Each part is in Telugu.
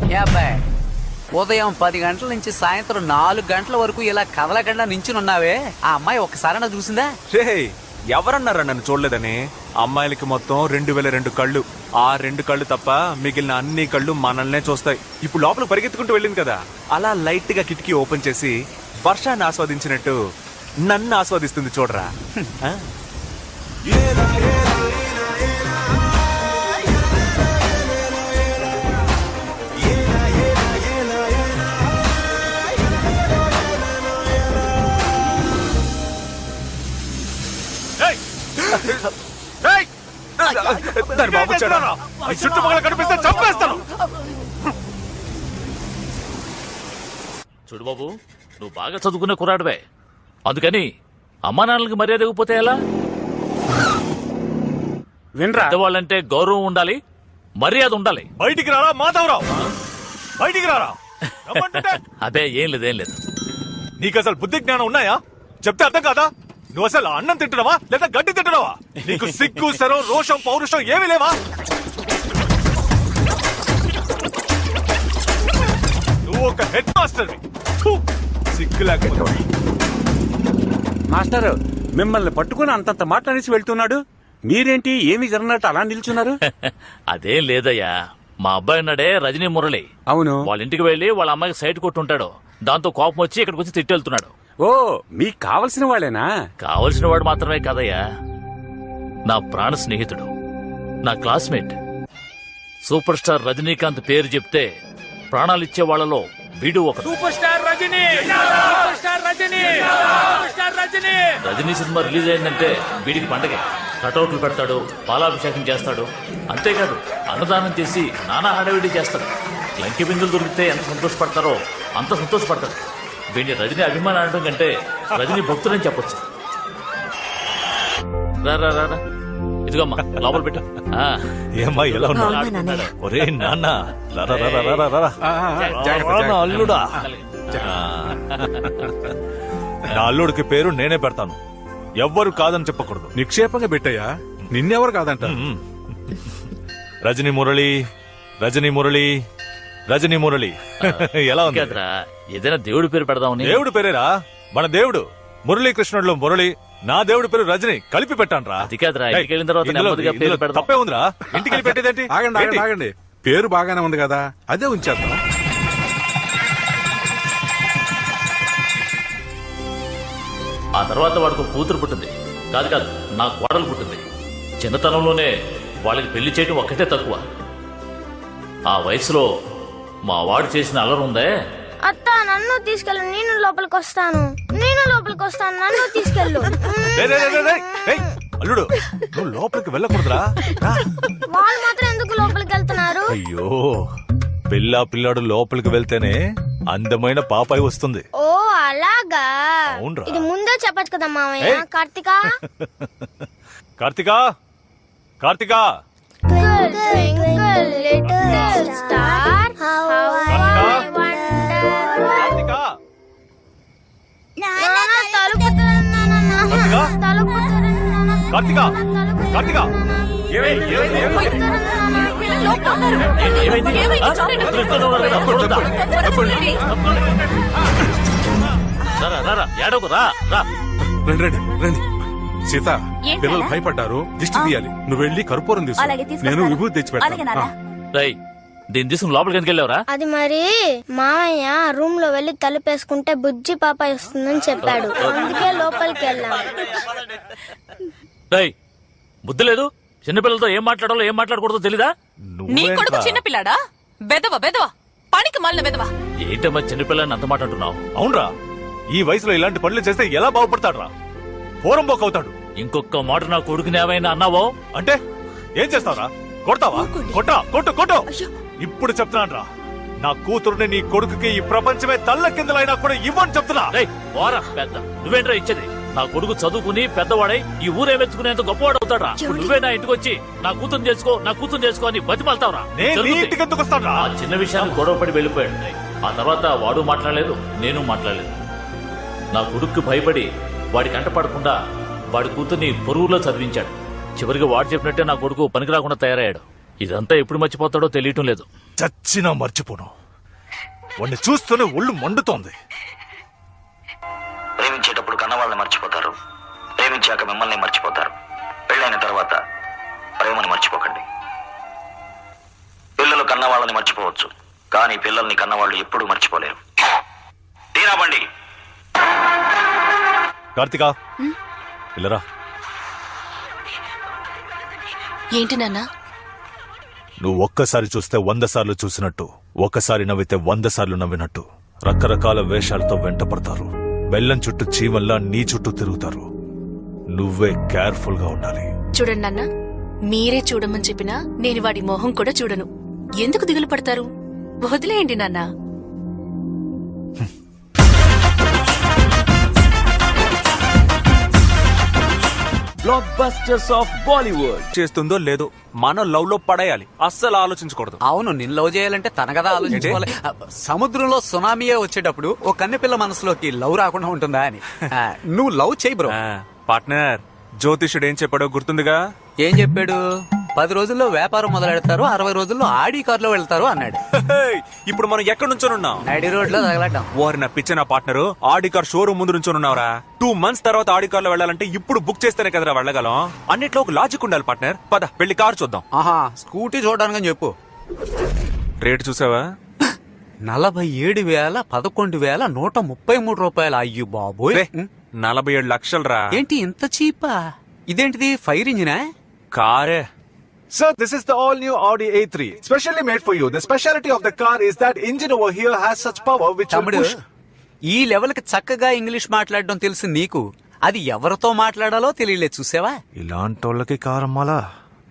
అబ్బాయి ఉదయం 10 గంటల నుంచి సాయంత్రం 4 గంటల వరకు ఇలా కదలకుండా నించునున్నావే ఆ అమ్మాయి ఒక్కసారైనా చూసిందా? రే ఎవరన్నారా నన్ను చూడలేదని? అమ్మాయిలకి మొత్తం 2002 కళ్ళు. ఆ 2 కళ్ళు తప్ప మిగిలిన అన్ని కళ్ళు మనల్నే చూస్తాయి. ఇప్పుడు లోపల పరిగెత్తుకుంటూ వెళ్ళింది కదా, అలా లైట్ గా కిటికీ ఓపెన్ చేసి వర్షాన్ని ఆస్వాదించినట్టు నన్ను ఆస్వాదిస్తుంది చూడరా. చుట్టుపక్కల కనిపిస్తే చంపేస్తాను. చూడు బాబు, నువ్వు బాగా చదువుకునే కుర్రాడివే, అందుకని అమ్మా నాన్నలకి మర్యాద ఇవ్వకపోతే ఎలా? వినరా, పెద్దవాళ్ళంటే గౌరవం ఉండాలి, మర్యాద ఉండాలి. బయటికి రారా మాధవరావు, బయటికి రారా. అదే ఏం లేదు నీకు అసలు బుద్ధి జ్ఞానం ఉన్నాయా? చెప్తే అర్థం కాదా? నువ్వు అసలు అన్నం తింటున్నావా లేదా గడ్డి తింటున్నావా? నీకు సిగ్గు శరం రోషం పౌరుషం ఏమీ లేవా? నువ్వు ఒక హెడ్ మాస్టర్, సిగ్గు లేకపోతే. మాస్టర్ మిమ్మల్ని పట్టుకుని అంతంత మాట్లాడేసి వెళ్తున్నాడు, మీరేంటి ఏమి జరగనట్టు అలా నిల్చున్నారు? అదేం లేదయ్యా, మా అబ్బాయి ఉన్నాడే రజనీ మురళి, అవును, వాళ్ళ ఇంటికి వెళ్లి వాళ్ళ అమ్మాయికి సైట్ కొట్టుంటాడు. దాంతో కోపం వచ్చి ఇక్కడికి వచ్చి తిట్టెళ్తున్నాడు. ఓ మీకు కావలసిన వాళ్ళేనా? కావలసిన వాడు మాత్రమే కాదయ్యా, నా ప్రాణ స్నేహితుడు, నా క్లాస్మేట్. సూపర్ స్టార్ రజనీకాంత్ పేరు చెప్తే ప్రాణాలిచ్చే వాళ్లలో వీడు ఒక super star Rajini. Rajini cinema release అయిందంటే వీడికి పండగే. కటౌట్లు పెడతాడు, పాలాభిషేకం చేస్తాడు. అంతేకాదు అన్నదానం చేసి నానా హడావిడి చేస్తాడు. లంకి బిందులు దొరికితే ఎంత సంతోషపడతారో అంత సంతోషపడతాడు. వీడిని రజనీ అభిమానం అనడం కంటే రజనీ భక్తులని చెప్పొచ్చు. రా రా రా, ఇదిగోమ్మా లోపల పెట్టు. ఏమ్మా ఎలా ఉన్నాడు? ఒరే నాన్న, అల్లుడా. నా అల్లుడికి పేరు నేనే పెడతాను, ఎవ్వరు కాదని చెప్పకూడదు. నిక్షేపంగా పెట్టయ్యా, నిన్నెవరు కాదంట. రజనీ మురళి, రజనీ మురళి, రజనీ మురళి. ఎలా ఉంది? ఏదైనా దేవుడి పేరు పెడదామని. దేవుడి పేరేరా, మన దేవుడు మురళీకృష్ణుడిలో మురళి, నా దేవుడి పేరు రజనీ, కలిపి పెట్టాను రా. అది కాదురా, ఇంటికి వెళ్ళిన తర్వాత నెమ్మదిగా పేరు పెడదాం. తప్పే ఉందిరా, ఇంటికి వెళ్ళి పెట్టేదేంటి? ఆగండి ఆగండి, పేరు బాగానే ఉంది కదా, అదే ఉంచేద్దాం. ఆ తర్వాత వాడికి కూతురు పుట్టింది. కాదు నా కోడలు పుట్టింది. చిన్నతనంలోనే వాళ్ళకి పెళ్లి చేయడం ఒక్కటే తక్కువ. ఆ వయసులో మా వాడు చేసిన అల్లరి ఉందే. అత్త నన్ను తీసుకెళ్ళు, నేను లోపలికి వస్తాను, నన్ను తీసుకెళ్ళు. అల్లుడు నువ్వు లోపలికి వెళ్ళకూడదురా. వాళ్ళు మాత్రం ఎందుకు లోపలికి వెళ్తున్నారు? అయ్యో, పిల్లాడు లోపలికి వెళ్తేనే అందమైన పాపాయి వస్తుంది. ఓ అలాగా, అవునరా. ఇది ముందే చెప్పచ్చు కదా మామయ్య. కార్తిక కార్తిక కార్తిక కార్తిక కార్తిక రండి రండి రండి. సీత, పిల్లలు భయపడ్డారు, దిష్టి తీయాలి. నువ్వు వెళ్ళి కర్పూరం తీసుకో, నేను విభూతి తెచ్చి పెడతాను. దీన్ని తీసుకుని లోపలికి ఎందుకు వెళ్ళావురా? అది మరి మామయ్య రూమ్ లో వెళ్లి తలుపేసుకుంటే బుజ్జి పాప వస్తుందని చెప్పాడు, అందుకే లోపలికి వెళ్ళాం. బుద్ధి లేదు, చిన్నపిల్లలతో ఏం మాట్లాడాలో ఏం మాట్లాడకూడదో తెలీదా? నీ కొడుకు చిన్నపిల్లాడా? బెదవ బెదవ, పనికి మళ్ళీ బెదవ. ఏంటమ్మా చిన్నపిల్లని అంత మాట అంటున్నావు? అవునరా, ఈ వయసులో ఇలాంటి పనులు చేస్తే ఎలా బాగుపడతాడు రా? పోరంబోక్ అవుతాడు. ఇంకొక మాట నా కొడుకుని ఏమైనా అన్నావో అంటే ఏం చేస్తావురా? కొడతావా? కొట్టు కొట్టు. ఇప్పుడు చెప్తున్నాను రా, నా కూతురుని నీ కొడుకుకి ఈ ప్రపంచమే తల్ల కిందలైనా కూడా ఇవ్వని చెప్తున్నా. పెద్ద నువ్వేంట్రా ఇచ్చేది? నా కొడుకు చదువుకుని పెద్దవాడై ఈ ఊరే మెచ్చుకునేంత గొప్పవాడు అవుతాడా? నువ్వే నా ఇంటికి వచ్చి నా కూతురు చేసుకో అని బతిమాలతావురా? ఇంటికి ఎందుకు వస్తాను? ఆ చిన్న విషయాన్ని గొడవపడి వెళ్ళిపోయాడు. ఆ తర్వాత వాడు మాట్లాడలేదు, నేను మాట్లాడలేదు. నా కొడుక్కి భయపడి వాడి కంట పడకుండా వాడి కూతుర్ని పొరుగులో చదివించాడు. చివరికి వాడు చెప్పినట్టే నా కొడుకు పనికి రాకుండా తయారయ్యాడు. ఇదంతా ఎప్పుడు మర్చిపోతాడో తెలియటం లేదు. చచ్చినా మర్చిపోను. వాడిని చూస్తూనే ఒళ్ళు మండుతోంది. ప్రేమించేటప్పుడు కన్నవాళ్ళని మర్చిపోతారు, ప్రేమించాక మిమ్మల్ని మర్చిపోతారు. పెళ్ళైన తర్వాత ప్రేమని మర్చిపోకండి. పిల్లలు కన్నవాళ్ళని మర్చిపోవచ్చు, కానీ పిల్లల్ని కన్నవాళ్ళు ఎప్పుడూ మర్చిపోలేరు. తీరాబండి. కార్తిక పిల్లరా, ఏంటి నాన్న? నువ్వు ఒక్కసారి చూస్తే 100 సార్లు చూసినట్టు, ఒక్కసారి నవ్వితే 100 సార్లు నవ్వినట్టు రకరకాల వేషాలతో వెంటపడతారు. బెల్లం చుట్టూ చీమల్లా నీ చుట్టూ తిరుగుతారు. నువ్వే కేర్ఫుల్ గా ఉండాలి. చూడండి నాన్న, మీరే చూడమని చెప్పినా నేను వాడి మొహం కూడా చూడను. ఎందుకు దిగులు పడతారు? వదిలేయండి నాన్న. బ్లాక్ బస్టర్స్ ఆఫ్ బాలీవుడ్ చేస్తుందో లేదో మనం లవ్ లో పడేయాలి, అస్సలు ఆలోచించకూడదు. అవును, నిన్ను లవ్ చేయాలంటే తన కదా ఆలోచించుకోవాలి. సముద్రంలో సునామీయే వచ్చేటప్పుడు ఓ కన్నెపిల్ల మనసులోకి లవ్ రాకుండా ఉంటుందా అని. నువ్వు లవ్ చేయి బ్రో. పార్ట్నర్, జ్యోతిషుడు ఏం చెప్పాడో గుర్తుందిగా? ఏం చెప్పాడు? 10 రోజుల్లో వ్యాపారం మొదలెడతారు, 60 రోజుల్లో ఆడి కారులో వెళ్తారు అన్నాడు. ఇప్పుడు మనం ఎక్కడి నుంచోనున్నాం? నడి రోడ్ లో తగలటం. వారి నా పిచ్చిన పార్ట్నర్, ఆడి కార్ షోరూమ్ ముందు నుంచోనున్నావురా. 2 months తర్వాత ఆడి కార్ లో వెళ్ళాలంటే ఇప్పుడు బుక్ చేస్తేనే కదరా వెళ్ళగలం. అన్నిట్లో ఒక లాజిక్ ఉండాలి పార్ట్నర్. పద వెళ్ళి కారు చూద్దాం. ఆహా, స్కూటీ చూడడానికి చెప్పు. రేటు చూసావా? 47,11,133 రూపాయలు. అయ్యో బాబోయ్, 47 లక్షలు రా. ఏంటి ఇంత చీపా? ఇదేంటిది, ఫైర్ ఇంజినా? కారే. Sir, this is the all-new Audi A3, specially made for you. The specialty of the car is that engine over here has such power which will తమ్ముడు, push. ఈ లెవెల్ కి చక్కగా ఇంగ్లీష్ మాట్లాడడం తెలుసు నీకు, అది ఎవరితో మాట్లాడాలో తెలియలేదు. చూసావా? ఇలాంటి వాళ్ళకి కార్ అమ్మాలా?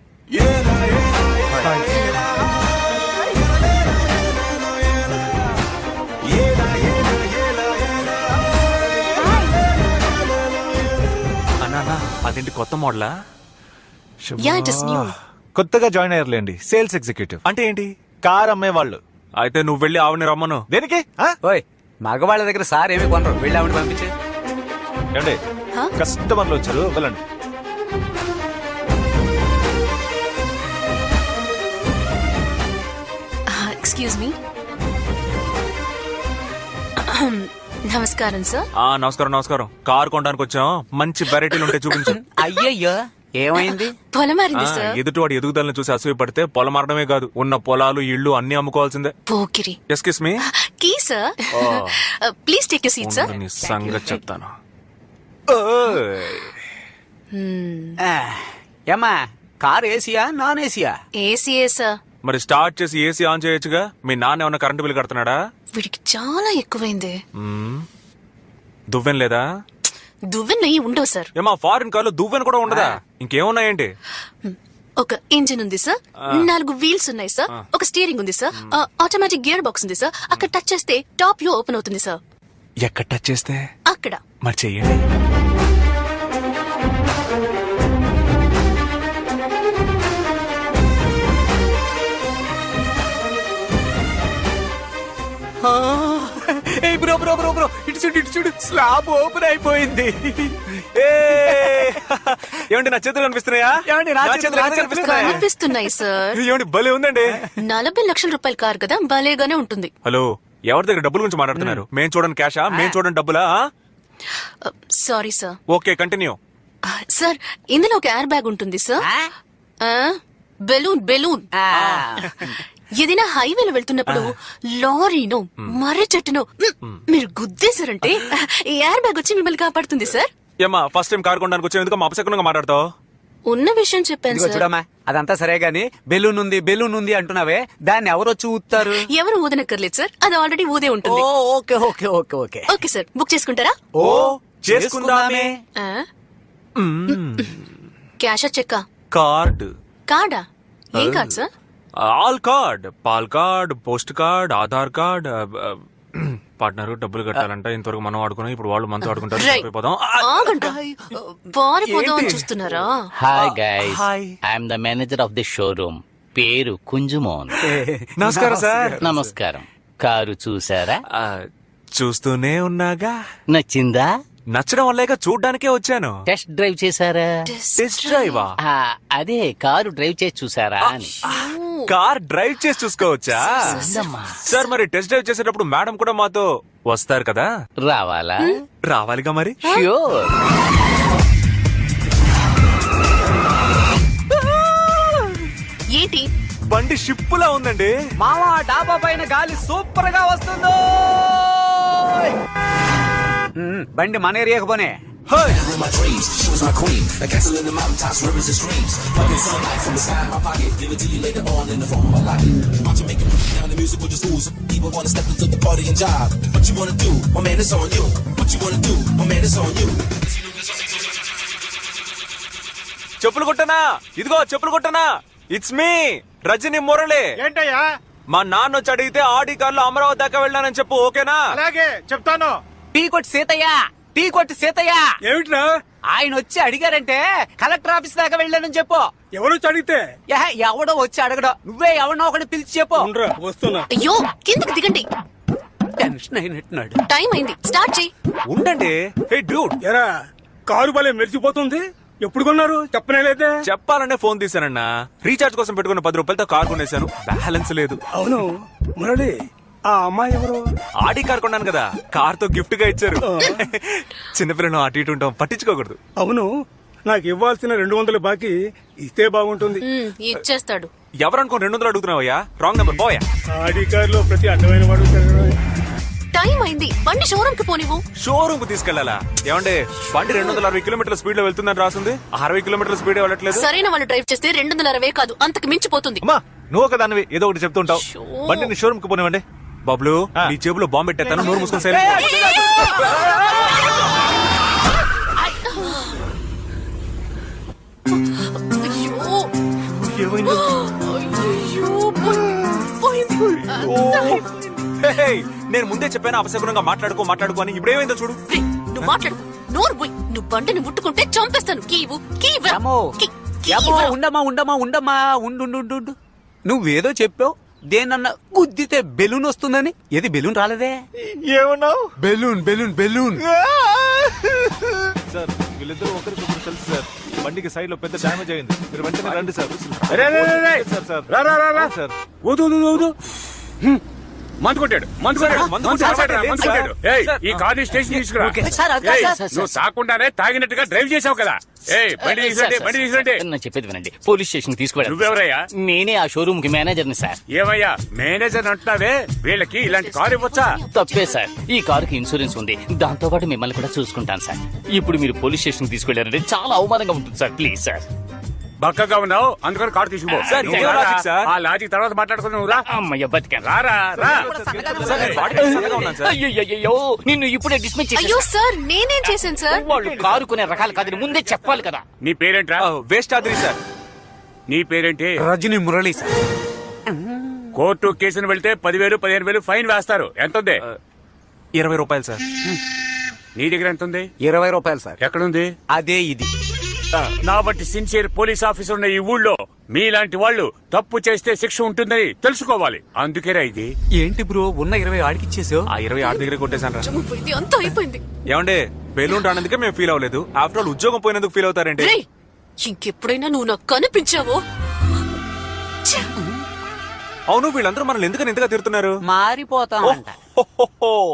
అన్నా, అదేంటి కొత్త మోడలా? Yeah, it is new. కొత్తగా జాయిన్ అయ్యారులేండి, సేల్స్ ఎగ్జిక్యూటివ్. అంటే ఏంటి? కార్ అమ్మేవాళ్ళు. అయితే నువ్వు వెళ్ళి ఆవిని రమ్మను. దేనికి? ఓయ్, మగవాళ్ళ దగ్గర సార్ ఏమి కొనరు, వెళ్ళి ఆవిడ పంపించే. ఏమండి, కస్టమర్లు వచ్చారు, వెళ్ళండి. Excuse me. నమస్కారం సార్. నమస్కారం నమస్కారం. కారు కొనడానికి వచ్చాం, మంచి వెరైటీలు ఉంటే చూపించు. అయ్యయ్యో, ఏమైంది? పొలం మారింది సార్. ఎదుటివాడి ఎదుగుదలను చూసి అసూయ పడితే పొలం మారడమే కాదు, ఉన్న పొలాలు ఇళ్ళు అన్ని అమ్ముకోవాల్సిందే. పోకిరి. Excuse me. కీ సార్. Please take you seat sir. నీ సంగతి చెప్తాను. ఏమా, కార్ ఏసీయా నాన్ ఏసీయా? ఏసీఏ సార్. మరి స్టార్ట్ చేసి ఏసీ ఆన్ చేయొచ్చుగా. మీ నాన్న ఏమన్నా కరెంటు బిల్ కడుతున్నాడా? వీడికి చాలా ఎక్కువైంది. దువ్వెన లేదా? దువ్వెన నెయ్యి ఉండవు సార్. ఏమా, ఫారిన్ కార్లో దువ్వెన కూడా ఉండదా? ఇంకేమున్నాయేంటి? ఒక ఇంజిన్ ఉంది సార్, 4 వీల్స్ ఉన్నాయి సార్, ఒక స్టీరింగ్ ఉంది సార్, ఆటోమేటిక్ గేర్ బాక్స్ ఉంది సార్. అక్కడ టచ్ చేస్తే టాప్ వ్యూ ఓపెన్ అవుతుంది సార్. ఎక్కడ టచ్ చేస్తే? అక్కడ. మరి చెయ్యండి. బ్రో బ్రో బ్రో బ్రో, ఇటు చూడు, స్లాబ్ ఓపెన్ అయిపోయింది. ఏమండి, నా చేతులు కనిపిస్తున్నాయా? ఏమండి, నా చేతులు కనిపిస్తున్నాయా? కనిపిస్తున్నాయి సార్. ఏమండి, భలే ఉందండి. 40 లక్షల రూపాయల కార్ కదా, భలేగానే ఉంటుంది. హలో, ఎవరి దగ్గర డబ్బుల గురించి మాట్లాడుతున్నారు? మేం చూడండి క్యాషా, మేం చూడండి డబ్బులా? Sorry sir. Okay, continue. Sir, ఇందులో ఒక ఎయిర్ బ్యాగ్ ఉంటుంది సార్. బెలూన్. ఏదైనా హైవేలో వెళ్తున్నప్పుడు లారీనో మర్రి చెట్టునో మీరు గుద్దేశారంటే ఈ ఎయిర్ బ్యాగ్ వచ్చి మిమ్మల్ని కాపాడుతుంది సార్. ఏమా, ఫస్ట్ టైం కార్ కొనడానికి వచ్చేందుకు మా అపశకునంగా మాట్లాడతావు? ఉన్న విషయం చెప్పాను సార్. చూడమ్మా, అదంతా సరే గాని బెలూన్ ఉంది అంటున్నావే, దాన్ని ఎవరు వచ్చి ఊతారు? ఎవరు ఊదనక్కర్లేదు సార్, అది ఆల్రెడీ ఊదే ఉంటుంది. Okay okay okay okay okay sir, book చేసుకుంటారా? ఓ, చేసుకుందామే. క్యాషా చెక్కా? కార్డు. కార్డా? ఏం card sir? All card, pal card, post card, Aadhaar card. Partner డబ్బులు కట్టాలంట, ఇంతవరకు మనం ఆడుకున్నాం, ఇప్పుడు వాళ్ళు మనతో ఆడుకుంటారు. చూస్తున్నారా? Hi guys, I'm the manager of the showroom. పేరు కుంజుమోన్. నమస్కారం సార్. నమస్కారం. కారు చూసారా? చూస్తూనే ఉన్నాగా. నచ్చిందా? నచ్చడం వల్లేగా చూడ్డానికే వచ్చాను. టెస్ట్ డ్రైవ్ చేశారా? టెస్ట్ డ్రైవా? అదే కారు డ్రైవ్ చేసి చూసారా అని. కార్ డ్రైవ్ చేసి చూసుకోవచ్చా సార్ మరి టెస్ట్ డ్రైవ్ చేసేటప్పుడు మేడం కూడా మాతో వస్తారు కదా రావాలా? రావాలిగా మరి ష్యూర్. ఏంటి? బండి షిప్పులా ఉందండి. మావా డాబా పైన గాలి సూపర్ గా వస్తుందో. బండి మన ఏరియాకు పోనే. హోయ్! చెప్పులు కొట్టనా? ఇదిగో చెప్పులు కొట్టనా? It's me Rajini Murali. ఏంటయ్యా? మా నాన్న వచ్చి అడిగితే ఆడి కార్లో అమరావతి దాకా వెళ్ళానని చెప్పు, ఓకేనా? అలాగే చెప్తాను. టీ కొట్టి సీతయ్య, టీ కొట్టి సీతయ్య. ఏమిట్రా? ఆయన వచ్చి అడిగారంటే కలెక్టర్ ఆఫీస్ దాకా వెళ్ళానని చెప్పు. ఎవరు అడిగితే? ఎవడో వచ్చి అడగడం, నువ్వే ఎవడో ఒకటి పిలిచి చెప్పు. వస్తున్నా. అయ్యో కిందకి దిగండి. టెన్షన్ అయినట్టున్నాడు. టైం అయింది, స్టార్ట్ చేయి. ఉండండి. హే డ్యూడ్, ఎరా కారు భలే మెరిచిపోతుంది. ఎప్పుడు కొన్నారు చెప్పనే లేదే? చెప్పాలనే ఫోన్ తీసానన్నా. రీఛార్జ్ కోసం పెట్టుకున్న 10 రూపాయలతో కార్ కొనేశాను. బ్యాలెన్స్ లేదు. అవును మురళి, ఆ అమ్మాయి ఎవరు? ఆడి కార్ కొన్నాను కదా, కార్ తో గిఫ్ట్ గా ఇచ్చారు. చిన్నపిల్లను అటు ఇటు ఉంటాం, పట్టించుకోకూడదు. అవును, నాకు ఇవ్వాల్సిన 200 బాకీ ఇస్తే బాగుంటుంది. ఇచ్చేస్తాడు. ఎవరనుకో 200 అడుగుతున్నావయ్యా? రాంగ్ నెంబర్ పోయా. ఆడి కారులో ప్రతి అడ్డమైన వాడు తిరగడం. టైం అయింది, బండి షోరూమ్ కి పోనివ్వు. షోరూమ్ కు తీసుకెళ్లాలా? ఏమంటే బండి 260 కిలోమీటర్ల స్పీడ్ లో వెళ్తుందని రాసింది. 60 కిలోమీటర్ల స్పీడ్ వెళ్ళట్లేదు. సరైన వాళ్ళు డ్రైవ్ చేస్తే 260 కాదు, అంతకు మించిపోతుంది. అమ్మా నువ్వు ఒక దానివి ఏదో ఒకటి చెప్తుంటావు. బండిని షోరూమ్ కు పోనివ్వండి. బబ్లు, నీ జేబులో బాంబు పెట్టేస్తాను, నోరు మూసుకొని సైలెంట్. అయ్యో. అయ్యో, పోయింది. హే, నేను ముందే చెప్పాను అపశకునంగా మాట్లాడుకో అని. ఇప్పుడు ఏమైందో చూడు. రేయ్, నువ్వు మాట్లాడు. నోరు పోయి. నువ్వు బండిని ముట్టుకుంటే చంపేస్తాను. కీవు కీవు. ఉండమ్మా ఉండు. నువ్వేదో చెప్పావు, దేనన్నా గుద్దితే బెలూన్ వస్తుందని. ఏది బెలూన్ రాలేదే? ఏమన్నావు? బెలూన్. సార్ వీళ్ళిద్దరూ ఒకరికొకరు తెలుసు సార్. బండికి సైడ్ లో పెద్ద డ్యామేజ్ అయింది. మీరు వెంటనే రండి సార్. సార్ సార్ ఊదు. మందు కొట్టాడు. ఏయ్, ఈ కార్ని స్టేషన్ తీసుకురా. సార్, అది కాదు సార్. నువ్వు తాకుండానే తాగినట్టుగా డ్రైవ్ చేసావు కదా. ఏయ్, బండి తీసుకురండి. నా చెప్పేది వినండి. పోలీస్ స్టేషన్ తీసుకువెళ్ళండి. నువ్వెవరయ్యా? నేనే ఆ షోరూమ్ కి మేనేజర్ని సార్. ఏమయ్యా మేనేజర్ అంటున్నావే? వీళ్ళకి ఇలాంటి కారు ఇవ్వచ్చా? తప్పే సార్. ఈ కారుకి ఇన్సూరెన్స్ ఉంది, దాంతో పాటు మిమ్మల్ని కూడా చూసుకుంటాను సార్. ఇప్పుడు మీరు పోలీస్ స్టేషన్ తీసుకెళ్లారంటే చాలా అవమానంగా ఉంటుంది సార్. Please sir. బక్కగా ఉన్నావు, అందుకని కారు తీసుకుపో. సార్, ఇదే లాజిక్ సార్. ఆ లాజిక్ తర్వాత మాట్లాడుకుని నువ్వు రా. అమ్మయ్య బతికాను. రా. సార్, నేను బాడీ సన్నగా ఉన్నాను సార్. అయ్యో నిన్ను ఇప్పుడే డిస్మిస్ అయ్యో చేసేసా. సార్, నేనేం చేశాను సార్? వాళ్ళు కారు కొనే రకాలు కాదని ముందే చెప్పాలి కదా. నీ పేరేంట్రా? Waste ఆద్రి sir. నీ పేరేంటి? రజని మురళి సార్. కోర్టు కేసును వెళ్తే 10,000 15,000 ఫైన్ వేస్తారు. ఎంత ఉంది? 20 రూపాయలు సార్. నీ దగ్గర ఎంత ఉంది? 20 రూపాయలు సార్. ఎక్కడుంది? అదే ఇది. నా బట్టి సిన్సియర్ పోలీస్ ఆఫీసర్ ఉన్న ఈ ఊళ్ళో మీలాంటి వాళ్ళు తప్పు చేస్తే శిక్ష ఉంటుందని తెలుసుకోవాలి. అందుకేరా ఇది. ఏంటి బ్రో, ఉన్న 20 ఆడికి ఇచ్చేసావు? ఆ 20 ఆడి దగ్గర కొట్టేశాను రా. చంపిపోయింది, అంతా అయిపోయింది. ఏమండే, బెలూన్ రానందుకే మేము ఫీల్ అవ్వలేదు. ఆఫ్టర్ ఆల్ ఉద్యోగం పోయినందుకు ఫీల్ అవుతారండి. రేయ్, ఇంకెప్పుడైనా నువ్వు నాకు కనిపించావో. అవును, వీళ్ళందరూ మనల్ని ఎందుకని ఇంతగా తిడుతున్నారు? మారిపోతామంట.